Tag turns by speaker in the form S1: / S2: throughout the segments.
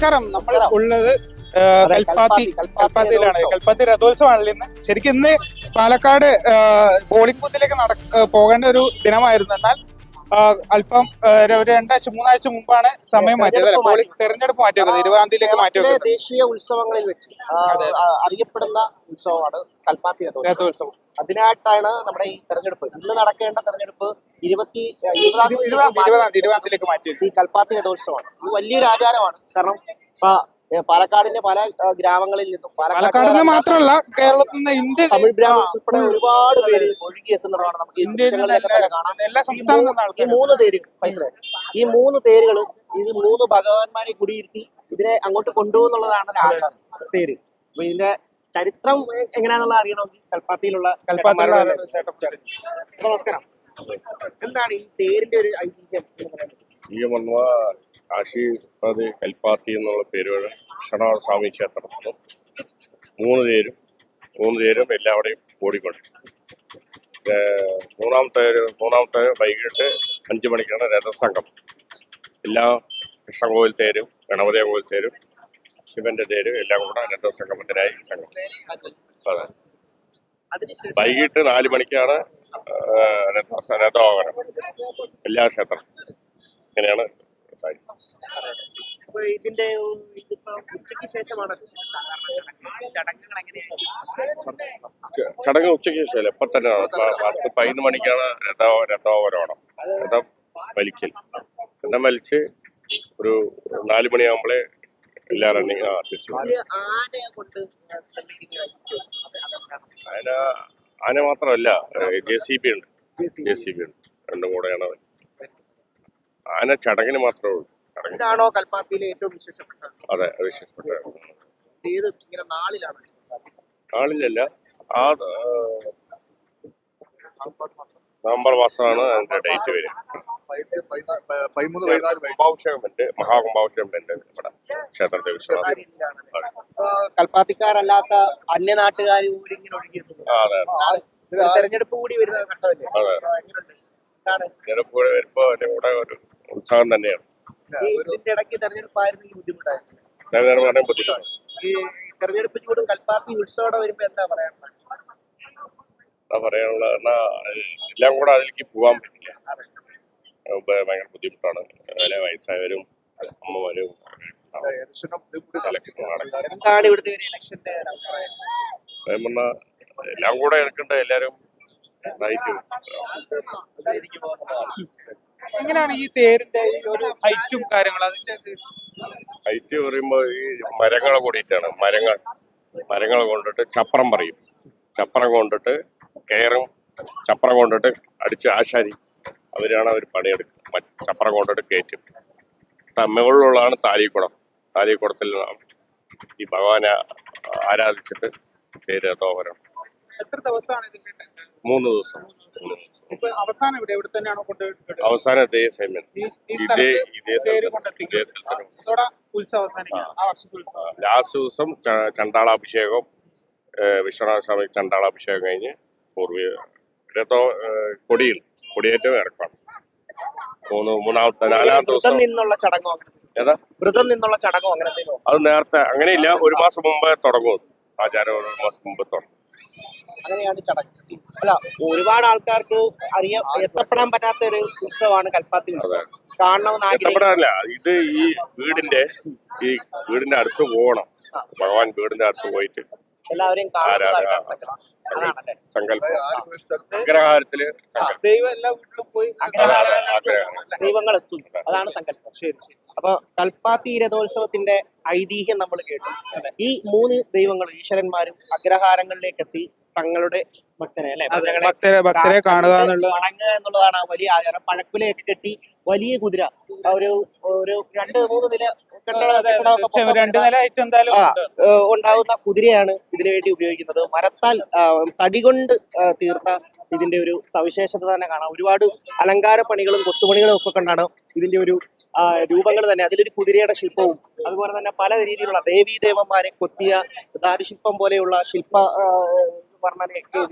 S1: നമസ്കാരം. നമ്മൾ ഉള്ളത് കൽപ്പാത്തിയിലാണ്. കൽപ്പാത്തി രഥോത്സവമാണല്ലോ ഇന്ന്. ശരിക്കും ഇന്ന് പാലക്കാട് ബോളിംഗ് ബൂത്തിലേക്ക് പോകേണ്ട ഒരു ദിനമായിരുന്നു. എന്നാൽ അല്പം ഒരു 2-3 ആഴ്ച മുമ്പാണ് സമയം മാറ്റിയത്. തെരഞ്ഞെടുപ്പ് മാറ്റിയത് 20-ാം തീയതിയിലേക്ക് മാറ്റിയത്.
S2: ദേശീയ ഉത്സവങ്ങളിൽ വെച്ച് അറിയപ്പെടുന്ന ഉത്സവമാണ് കൽപ്പാത്തി രഥോത്സവം. അതിനായിട്ടാണ് നമ്മുടെ ഈ തെരഞ്ഞെടുപ്പ്, ഇന്ന് നടക്കേണ്ട തെരഞ്ഞെടുപ്പ് 20-ാം
S1: തീയതിയിലേക്ക് മാറ്റിയത്.
S2: ഈ കൽപ്പാത്തി രഥോത്സവമാണ്. ഇത് വലിയൊരു ആചാരമാണ്. കാരണം പാലക്കാടിന്റെ പല ഗ്രാമങ്ങളിൽ നിന്നും,
S1: പാലക്കാട് മാത്രമല്ല കേരളത്തിൽ നിന്ന് ഇന്ത്യ
S2: തമിഴ് ബ്രാഹ്മിൻസ് ഉൾപ്പെടെ ഒരുപാട് പേര് ഒഴുകി എത്തുന്നതാണ്. നമുക്ക് ഈ ദൃശ്യങ്ങളിലൊക്കെ തന്നെ കാണാം. ഈ 3 തേരുകൾ ഈ 3 തേരുകളും ഇത് 3 ഭഗവാന്മാരെ കുടിയിരുത്തി ഇതിനെ അങ്ങോട്ട് കൊണ്ടുപോകുന്നുള്ളതാണ് ആചാരം തേര്. അപ്പൊ ഇതിന്റെ ചരിത്രം എങ്ങനെയാണെന്നുള്ള അറിയണമെങ്കിൽ കൽപ്പാത്തിയിലുള്ള നമസ്കാരം. എന്താണ് ഈ തേരിന്റെ ഒരു ഐതിഹ്യം എന്ന് പറയുന്നത്?
S3: കാശി കൽപ്പാത്തി എന്നുള്ള പേരുകൾ വിശ്വനാഥ സ്വാമി ക്ഷേത്രത്തിൽ 3 തേരും എല്ലാവരുടെയും ഓടിക്കൊണ്ട്. മൂന്നാമത്തെ വൈകിട്ട് 5 മണിക്കാണ് രഥസംഘം. എല്ലാ കൃഷ്ണകോവിൽ തേരും, ഗണപതി കോവിൽ തേരും, ശിവന്റെ തേരും എല്ലാം കൂടെ രഥസംഗമത്തിനായി സംഘം. അതെ, വൈകിട്ട് 4 മണിക്കാണ് രഥോപകരണം എല്ലാ ക്ഷേത്രം. ഇങ്ങനെയാണ്
S2: ഇതിന്റെ ഉച്ചയ്ക്ക് ശേഷമാണ് ചടങ്ങുകൾ എങ്ങനെയാണ്?
S3: ചടങ്ങ് ഉച്ചയ്ക്ക് ശേഷം ഇപ്പൊ തന്നെ 10-11 മണിക്കാണ് രഥോപരോഹണം, രഥം വലിക്കൽ. രഥം വലിച്ച് ഒരു 4 മണിയാകുമ്പോഴേ എല്ലാ റണ്ണിങ് തിരിച്ചു. ആന മാത്രമല്ല, JCB ഉണ്ട്. രണ്ടും കൂടെയാണ്. ആന ചടങ്ങിന് മാത്രമേ ഉള്ളൂ.
S2: ഇതാണോ കൽപ്പാത്തിയിലെ ഏറ്റവും വിശേഷപ്പെട്ട?
S3: അതെ, വിശേഷപ്പെട്ട.
S2: ഏത് ഇങ്ങനെ നാളിലാണ്?
S3: നാളിലല്ല, നവംബർ മാസമാണ് അതിന്റെ ഡേറ്റ് വരിക. മഹാകുംഭാഭിഷേകമുണ്ട് നമ്മുടെ ക്ഷേത്രത്തിൽ.
S2: കൽപ്പാത്തിക്കാരല്ലാത്ത അന്യനാട്ടുകാർ ഇങ്ങനെ ഒഴുകിയെത്തുന്നു. തെരഞ്ഞെടുപ്പ് കൂടി വരുന്ന ഘട്ടമല്ലേ?
S3: തെരഞ്ഞെടുപ്പ് കൂടെ വരുമ്പോ കൂടെ ഒരു ഉത്സാഹം തന്നെയാണ്.
S2: ഇതിന്റെ ഇടയ്ക്ക് തെരഞ്ഞെടുപ്പായിരുന്നെങ്കിൽ ബുദ്ധിമുട്ടായിരുന്നു.
S3: ബുദ്ധിമുട്ടാണ്.
S2: ഈ തെരഞ്ഞെടുപ്പ് ചൂടും കൽപ്പാത്തി ഉത്സവം വരുമ്പോ എന്താ പറയാനുള്ളത്?
S3: എല്ലാം കൂടെ അതിലേക്ക് പോകാൻ പറ്റില്ല. ഭയങ്കര ബുദ്ധിമുട്ടാണ്. വയസ്സായവരും അമ്മമാരും
S2: എന്താണ് ഇവിടുത്തെ ഒരു ഇലക്ഷന്റെ
S3: എല്ലാം കൂടെ എടുക്കണ്ട. എല്ലാരും
S1: എങ്ങനെയാണ് ഈ തേരിന്റെ ഈ ഒരു ഹൈറ്റും കാര്യങ്ങളും? അതിന്റെ
S3: ഹൈറ്റ് പറയുമ്പോ ഈ മരങ്ങൾ കൂടിയിട്ടാണ്. മരങ്ങൾ കൊണ്ടിട്ട് ചപ്പറം പറയും. ചപ്പറം കൊണ്ടിട്ട് കയറും. ചപ്പറം കൊണ്ടിട്ട് അടിച്ച് ആശാരി അവരാണ് അവർ പണിയെടുക്കുക. ചപ്പറം കൊണ്ടിട്ട് കയറ്റും. മുകളിലുള്ളതാണ് താലിക്കുടത്തിൽ ഈ ഭഗവാനെ ആരാധിച്ചിട്ട് തേര് രഥോപകരണം.
S1: എത്ര ദിവസമാണ് ഇതിന്റെ?
S3: 3 ദിവസം.
S1: അവസാനം ഇവിടെ തന്നെയാണോ കൊണ്ടുപോയിട്ട്?
S3: അവസാനം ഇതേ സമയം ലാസ്റ്റ് ദിവസം ചണ്ടാളാഭിഷേകം, വിശ്വനാഥ സ്വാമി ചണ്ടാളാഭിഷേകം കഴിഞ്ഞ് കൊടിയേറ്റം ഇറക്കണം. 4-ാമത്തെ ദിവസം
S2: നിന്നുള്ള ചടങ്ങോ?
S3: ഏതാ
S2: വ്രതം നിന്നുള്ള ചടങ്ങോ? അങ്ങനെ
S3: അത് നേരത്തെ അങ്ങനെയില്ല, 1 മാസം മുമ്പേ തുടങ്ങും. ആചാരം 1 മാസം മുമ്പ് തുടങ്ങും.
S2: അങ്ങനെയാണ് ചടങ്ങ്. അല്ല, ഒരുപാട് ആൾക്കാർക്ക് എത്തപ്പെടാൻ പറ്റാത്ത ഒരു ഉത്സവമാണ് കൽപ്പാത്തി ഉത്സവം.
S3: എത്തപ്പെടാനല്ല, ഇത് ഈ വീടിന്റെ അടുത്ത് പോകണം. ഭഗവാൻ വീടിന്റെ അടുത്ത് പോയിട്ട് എല്ലാവരെയും സങ്കല്പം അഗ്രഹാരത്തില്
S2: ദൈവങ്ങൾ എത്തുന്നു, അതാണ് സങ്കല്പം. അപ്പൊ കൽപ്പാത്തി രഥോത്സവത്തിന്റെ ഐതിഹ്യം നമ്മൾ കേട്ടു. ഈ 3 ദൈവങ്ങൾ ഈശ്വരന്മാരും അഗ്രഹാരങ്ങളിലേക്ക് എത്തി തങ്ങളുടെ ഭക്തരെ
S1: കാണുക
S2: വണങ്ങുക എന്നുള്ളതാണ് വലിയ ആചാരം. പഴക്കുലയൊക്കെ കെട്ടി വലിയ കുതിര, ഒരു 2-3 നില ഉണ്ടാവുന്ന കുതിരയാണ് ഇതിനു വേണ്ടി ഉപയോഗിക്കുന്നത്. മരത്താൽ തടി കൊണ്ട് തീർത്ത ഇതിന്റെ ഒരു സവിശേഷത തന്നെ കാണാം. ഒരുപാട് അലങ്കാര പണികളും കൊത്തുപണികളും ഒക്കെ കണ്ടാണ് ഇതിന്റെ ഒരു രൂപങ്ങൾ തന്നെ. അതിലൊരു കുതിരയുടെ ശില്പവും അതുപോലെ തന്നെ പല രീതിയിലുള്ള ദേവീദേവന്മാരെ കൊത്തിയ ദാരുശില്പം പോലെയുള്ള ശില്പ വർണ്ണനയൊക്കെ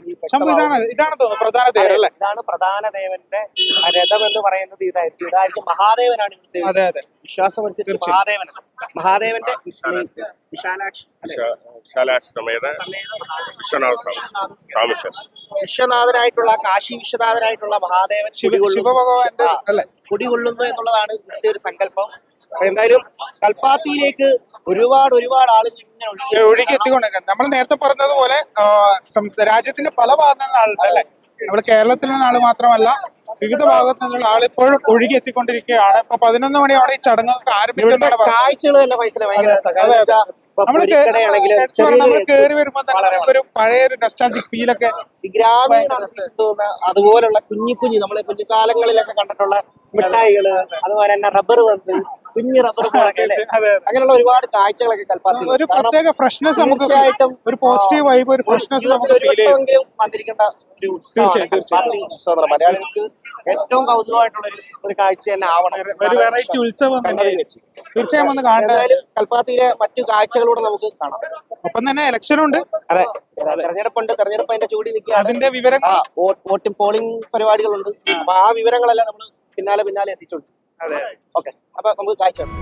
S2: ഇതാണ് പ്രധാന ദേവന്റെ രഥം എന്ന് പറയുന്നത്. ഇതായിരിക്കും മഹാദേവനാണ് ഇവിടുത്തെ വിശ്വാസം അനുസരിച്ച്. മഹാദേവനാണ് മഹാദേവന്റെ വിശാലാക്ഷി
S3: വിശാലാശ്രമേത
S2: സമേത മഹാദേവൻ.
S3: വിശ്വനാഥ സ്വാമിഷൻ
S2: വിശ്വനാഥനായിട്ടുള്ള കാശി വിശ്വനാഥനായിട്ടുള്ള മഹാദേവൻ
S1: ശിവഭഗവാന്റെ
S2: ആ,
S1: അല്ലേ?
S2: കുടികൊള്ളുന്നു എന്നുള്ളതാണ് ഇവിടുത്തെ ഒരു സങ്കല്പം. അപ്പൊ എന്തായാലും കൽപ്പാത്തിയിലേക്ക് ഒരുപാട് ആളുകൾ ഇങ്ങനെ
S1: ഒഴുകി എത്തിക്കൊണ്ടിരിക്കുന്നത് നമ്മൾ നേരത്തെ പറഞ്ഞതുപോലെ രാജ്യത്തിന്റെ പല ഭാഗത്തു നിന്നുള്ള ആളുണ്ട് അല്ലെ. നമ്മൾ കേരളത്തിൽ നിന്നുള്ള ആള് മാത്രമല്ല വിവിധ ഭാഗത്തു നിന്നുള്ള ആൾ ഇപ്പോഴും ഒഴുകി എത്തിക്കൊണ്ടിരിക്കുകയാണ്. ഇപ്പൊ 11 മണിയോടെ ഈ ചടങ്ങുകൾക്ക് ആരംഭിക്കുന്നതാണ് പറഞ്ഞത്.
S2: കാഴ്ചകൾ തന്നെ പൈസ ഭയങ്കര രസാ. കാരണം
S1: അതെ,
S2: വെച്ചാ ഇപ്പൊ
S1: നമ്മൾ
S2: പൊരിക്കടയാണെങ്കിലും
S1: നമ്മൾ കയറി വരുമ്പോ തന്നെ നമുക്കൊരു പഴയ ഒരു നൊസ്റ്റാൾജിക് ഫീൽ ഒക്കെ
S2: ഈ ഗ്രാമീണ അന്തരീക്ഷം തോന്നുന്ന അതുപോലുള്ള കുഞ്ഞു നമ്മളെ കുഞ്ഞുകാലങ്ങളിലൊക്കെ കണ്ടിട്ടുള്ള മിഠായികള്, അതുപോലെ തന്നെ റബ്ബർ പന്ത്, കുഞ്ഞു റബ്ബർ ബോളൊക്കെ അല്ലേ,
S1: അതെ,
S2: അങ്ങനെയുള്ള ഒരുപാട് കാഴ്ചകളൊക്കെ കൽപ്പാത്തി.
S1: ഒരു പ്രത്യേക ഫ്രഷ്നെസ് നമുക്ക്
S2: തീർച്ചയായിട്ടും
S1: ഒരു പോസിറ്റീവ് വൈബ് ഒരു ഫ്രഷ്നെസ്
S2: ജീവിതത്തിൽ
S1: നമുക്ക്
S2: ഒരു
S1: ഫീൽ ചെയ്യും.
S2: വട്ടമെങ്കിലും വന്നിരിക്കേണ്ട ഒരു ഉത്സവമാണ്
S1: തീർച്ചയായും,
S2: കൽപ്പാത്തി ഉത്സവം എന്ന് പറഞ്ഞാൽ. മലയാളികൾക്ക് ഏറ്റവും കൗതുകമായിട്ടുള്ള ഒരു കാഴ്ച തന്നെ ആവണം.
S1: ഒരു വെറൈറ്റി ഉത്സവം
S2: കണ്ടതിൽ വെച്ച്
S1: തീർച്ചയായും ഒന്ന് കാണേണ്ടത്.
S2: എന്തായാലും കൽപ്പാത്തിയിലെ മറ്റു കാഴ്ചകളൂടെ നമുക്ക് കാണാം.
S1: ഒപ്പം തന്നെ ഇലക്ഷനും ഉണ്ട്.
S2: അതെ, തെരഞ്ഞെടുപ്പുണ്ട്. തെരഞ്ഞെടുപ്പ് അതിന്റെ ചൂടി നിൽക്കുകയാണ്.
S1: അതിന്റെ വിവരങ്ങൾ
S2: വോട്ടിംഗ് പോളിംഗ് പരിപാടികളുണ്ട്. അപ്പൊ ആ വിവരങ്ങളെല്ലാം നമ്മൾ പിന്നാലെ എത്തിച്ചുണ്ട്.
S1: അതെ.
S2: ഓക്കെ, അപ്പൊ നമുക്ക് കാഴ്ച ഉണ്ട്.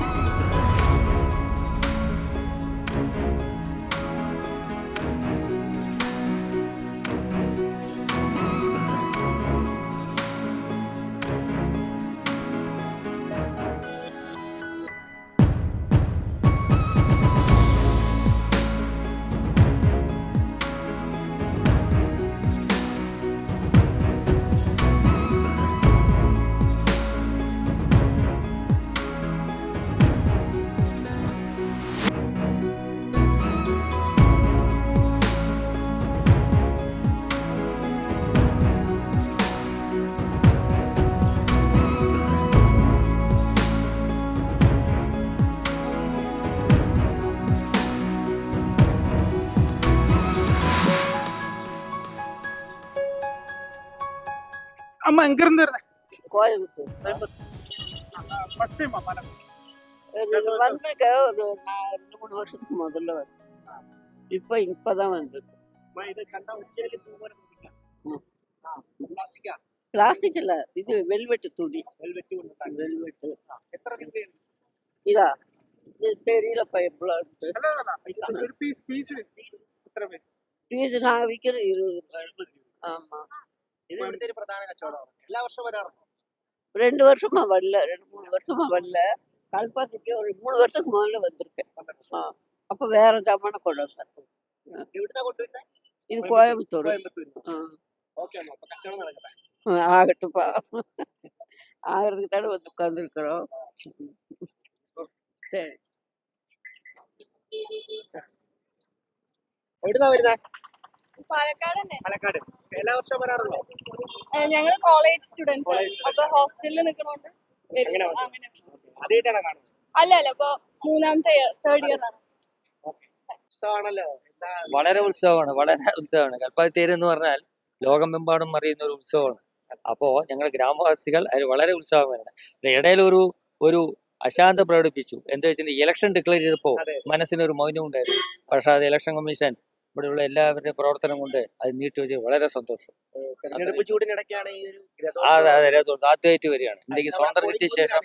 S1: அம்மா எங்க இருந்து இருந்தேன்
S4: கோயம்புத்தூர்
S1: ஃபர்ஸ்ட் டைம் அம்மா
S4: வந்திருக்கேன். ஒரு 2-3 வருஷத்துக்கு முதல்ல வந்து இப்பதான் வந்திருக்கு.
S2: ഇത് കണ്ട ഒറ്റയില് പൂമരം പ്ലാസ്റ്റിക്കാ,
S4: பிளாஸ்டிக் இல்ல, இது வெல்வெட்டு துணி.
S2: വെൽവെറ്റ് കൊണ്ടുണ്ടാക്കി.
S4: வெல்வெட்டு
S2: എത്ര രൂപയാണ്
S4: இதா இது தெரியல எவ்வளோ
S2: പൈസ?
S1: ഒരു പീസ് എത്ര പൈസ?
S4: பீஸ் நாங்க விற்கிறது 20 ரூபாய். ஆமா,
S2: ഇത് ഇവിടുത്തെ ഒരു പ്രധാന കച്ചവടമാണ്. എല്ലാ വർഷവും വരാറുണ്ടോ?
S4: 2 வருஷமா வரல, 2-3 வருஷமா வரல. கல்பாத்திக்கு ஒரு 3 வருஷத்துக்கு முதல்ல வந்திருக்கேன். அப்ப வேற ஜாமான கொண்டு வந்தேன்.
S2: എവിടുന്നാ കൊണ്ടുവരുന്നത്?
S4: இது கோயம்புத்தூர்.
S2: കോയമ്പത്തൂർ. ഓക്കെ അമ്മ, അപ്പൊ കച്ചവടം നടക്കട്ടെ.
S4: ஆகட்டும்ப்பா, ஆகிறதுக்கு தானே வந்து உட்காந்துருக்குறோம். சரி,
S2: എവിടുന്നാ വരുന്നത്?
S5: പാലക്കാട് തന്നെ.
S2: പാലക്കാട്. എല്ലാ വർഷവും വരാറുണ്ടോ?
S5: ഞങ്ങള് കോളേജ് സ്റ്റുഡൻസ്
S2: College
S5: അപ്പൊ ഹോസ്റ്റലിൽ നിൽക്കണോണ്ട് വരും.
S2: അങ്ങനെ വന്നു.
S5: അങ്ങനെ.
S2: ആദ്യമായിട്ടാണ് കാണുന്നത്?
S5: അല്ല ഇപ്പൊ 3ാമത്തെ 3rd ഇയർ ആണ്.
S2: ഉത്സവമാണല്ലോ. എന്താ
S6: വളരെ ഉത്സവമാണ് കൽപ്പാത്തി തേര് എന്ന് പറഞ്ഞാൽ ലോകമെമ്പാടും അറിയുന്ന ഒരു ഉത്സവമാണ്. അപ്പോൾ ഞങ്ങൾ ഗ്രാമവാസികൾ അതിൽ വളരെ ഉത്സാഹമാണ്. ഇടയിൽ ഒരു അശാന്ത പ്രകടിപ്പിച്ചു. എന്താ വെച്ചിട്ടുണ്ടെങ്കിൽ ഇലക്ഷൻ ഡിക്ലെയർ ചെയ്തപ്പോൾ
S2: അതെ.
S6: മനസ്സിനൊരു മൗനം ഉണ്ടായിരുന്നു. പക്ഷെ അത് ഇലക്ഷൻ കമ്മീഷൻ ഇവിടെയുള്ള എല്ലാവരുടെയും പ്രവർത്തനം കൊണ്ട് അത് നീട്ടിവെച്ച് വളരെ സന്തോഷം.
S2: തെരഞ്ഞെടുപ്പ് ചൂടിനിടയ്ക്കാണ് ഈ ഒരു
S6: അതെ ആദ്യമായിട്ട് വരികയാണ്. ഇന്ത്യക്ക് സ്വാതന്ത്ര്യം കിട്ടിയ ശേഷം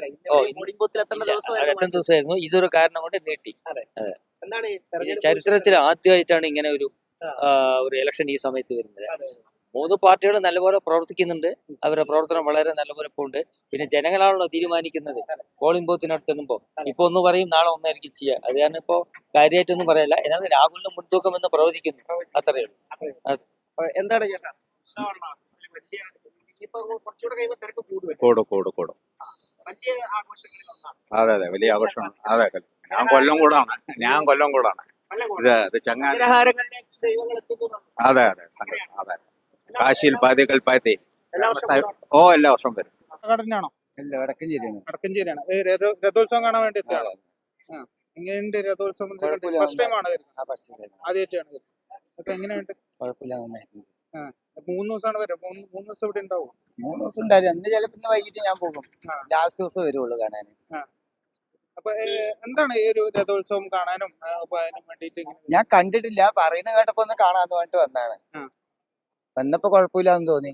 S6: എത്ര ദിവസമായിരുന്നു. ഇതൊരു കാരണം കൊണ്ട് നീട്ടി.
S2: എന്താണ് ഈ
S6: ഇത്
S2: തെരഞ്ഞെടുപ്പ്
S6: ചരിത്രത്തിൽ ആദ്യമായിട്ടാണ് ഇങ്ങനെ ഒരു ഇലക്ഷൻ ഈ സമയത്ത് വരുന്നത്.
S2: അതെ.
S6: 3 പാർട്ടികൾ നല്ലപോലെ പ്രവർത്തിക്കുന്നുണ്ട്. അവരുടെ പ്രവർത്തനം വളരെ നല്ലപോലെ പോകുന്നുണ്ട്. പിന്നെ ജനങ്ങളാണല്ലോ തീരുമാനിക്കുന്നത്. പോളിംഗ് ബൂത്തിനടുത്ത് എത്തുമ്പോൾ ഇപ്പൊ ഒന്ന് പറയും, നാളെ ഒന്നായിരിക്കും ചെയ്യുക. അത് കാരണം ഇപ്പോ കാര്യമായിട്ടൊന്നും പറയല്ല. എന്നാലും രാഹുലിന് മുൻതൂക്കം എന്ന് പ്രവചിക്കുന്നു. അത്രയേ ഉള്ളൂ.
S2: എന്താണ് ചേട്ടാ ഉത്സവമാണോ? വലിയ ഇനിയിപ്പോ കുറച്ചുകൂടെ കഴിയുമ്പോൾ തിരക്ക് കൂടും.
S7: കൂടും.
S2: വലിയ ആഘോഷങ്ങളിൽ ഒന്നാണ്.
S7: അതെ വലിയ ആഘോഷമാണ്. അതെ ഞാൻ കൊല്ലം കൂടാണ്. ഇത് ചങ്ങാതി.
S2: അഗ്രഹാരങ്ങളിലേക്ക് ദൈവങ്ങൾ എത്തുന്നു.
S7: അതെ കാശിയിൽ പാതി കൽപ്പാത്തി.
S2: എല്ലാ വർഷവും
S7: എല്ലാ വർഷവും വരും.
S1: പാലക്കാടിനാണോ?
S8: ഇല്ല, വടക്കഞ്ചേരിയാണ്.
S1: വടക്കഞ്ചേരിയാണ്. രഥോത്സവം കാണാൻ വേണ്ടി എത്തിയാണ്. എങ്ങനെയുണ്ട് രഥോത്സവം?
S8: കുഴപ്പമില്ല.
S1: ഫസ്റ്റ് ടൈം ആണ് വരുന്നത്?
S8: ആ ഫസ്റ്റ്
S1: ആദ്യമായിട്ടാണ് വരുന്നത്. അപ്പൊ എങ്ങനെയുണ്ട്?
S8: കുഴപ്പമില്ല, നന്നായിരുന്നു.
S1: 3 ദിവസമാണ് വരും. 3 ദിവസം ഇവിടെ ഉണ്ടാവും.
S8: 3 ദിവസം ഉണ്ടായിരുന്നു. അന്ന് ചിലപ്പോ ഇന്ന് വൈകിട്ട് ഞാൻ പോകും.
S1: ആ.
S8: ലാസ്റ്റ് ദിവസം വരുള്ളൂ കാണാൻ.
S1: അപ്പൊ എന്താണ് ഈ ഒരു രഥോത്സവം കാണാനും അപ്പൊ അതിനും വേണ്ടിയിട്ട്
S8: ഞാൻ കണ്ടിട്ടില്ല, പറയുന്ന കേട്ടപ്പോ ഒന്ന് കാണാന്ന് പറഞ്ഞിട്ട് വന്നാണ്.
S1: ആ.
S8: വന്നപ്പോ കുഴപ്പമില്ലാന്ന് തോന്നി.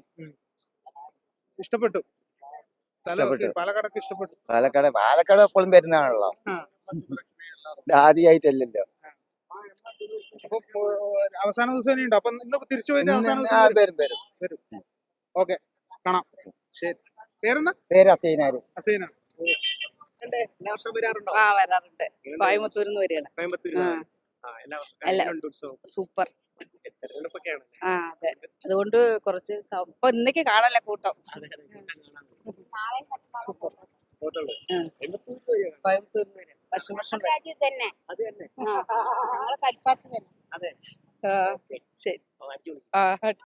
S1: ഇഷ്ടപ്പെട്ടു?
S8: ഇഷ്ടപ്പെട്ടു.
S1: പാലക്കാടൊക്കെ ഇഷ്ടപ്പെട്ടു.
S8: പാലക്കാട് എപ്പോഴും വരുന്നതാണല്ലോ. ആദ്യമായിട്ടല്ലല്ലോ.
S1: അപ്പൊ അവസാന ദിവസം ഇനി ഉണ്ടോ? അപ്പൊ ഇന്ന് തിരിച്ചു പോയിട്ട് അവസാന ദിവസം വരും.
S8: വരും.
S1: ഓക്കെ, കാണാം. ശരി. പേരെന്താ?
S8: പേര് അസൈനാര്.
S1: അസൈന.
S2: എല്ലാ വർഷവും വരാറുണ്ടോ?
S9: ആ വരാറുണ്ട്. കോയമ്പത്തൂരിൽ നിന്ന് വരികയാണ്.
S2: കോയമ്പത്തൂരിൽ
S9: ആ.
S2: എല്ലാ വർഷവും
S9: അല്ല.
S2: എങ്ങനെയുണ്ട് ഉത്സവം?
S9: സൂപ്പർ.
S2: തെരഞ്ഞെടുപ്പൊക്കെയാണ്.
S9: ആ അതെ, അതുകൊണ്ട് കുറച്ച് ഇപ്പൊ ഇന്നേക്ക് കാണല്ല കൂട്ടം. സൂപ്പർ.
S2: പോത്തുള്ളൂ.
S9: ആ.
S2: കോയമ്പത്തൂരിൽ വരികയാണ്.
S9: കോയമ്പത്തൂരിൽ നിന്ന് വരിക. വർഷം വർഷം വരും.
S4: തന്നെ
S2: അത് തന്നെ.
S4: കൽപ്പാത്തി തന്നെ
S2: അതെ.
S9: ആ, ശരി.
S2: അടിപൊളി.
S9: ആ